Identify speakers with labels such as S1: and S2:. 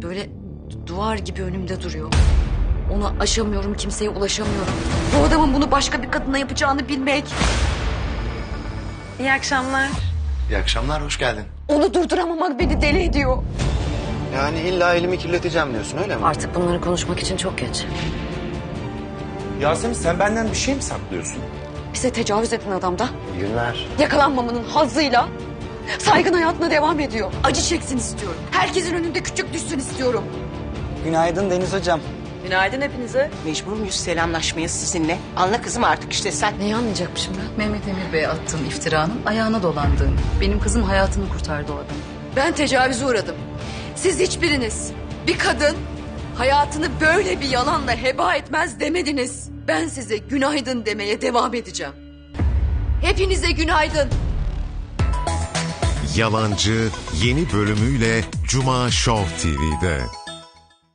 S1: böyle duvar gibi önümde duruyor. Onu aşamıyorum, kimseye ulaşamıyorum. Bu adamın bunu başka bir kadına yapacağını bilmek.
S2: İyi akşamlar.
S3: İyi akşamlar, hoş geldin.
S1: Onu durduramamak beni deli ediyor.
S3: Yani illa elimi kirleteceğim diyorsun, öyle mi?
S1: Artık bunları konuşmak için çok geç.
S4: Yasemin sen benden bir şey mi saklıyorsun?
S1: Bize tecavüz eden adam da
S3: İyi günler.
S1: yakalanmamanın hazzıyla saygın hayatına devam ediyor. Acı çeksin istiyorum. Herkesin önünde küçük düşsün istiyorum.
S5: Günaydın Deniz Hocam.
S2: Günaydın hepinize.
S6: Mecbur muyuz selamlaşmaya sizinle? Anla kızım artık işte sen.
S1: Neyi anlayacakmışım ben?
S7: Mehmet Emir Bey'e attığın iftiranın ayağına dolandığını. Benim kızım hayatını kurtardı o adam.
S1: Ben tecavüze uğradım. Siz hiçbiriniz bir kadın hayatını böyle bir yalanla heba etmez demediniz. Ben size günaydın demeye devam edeceğim. Hepinize günaydın.
S8: Yalancı yeni bölümüyle Cuma Show TV'de.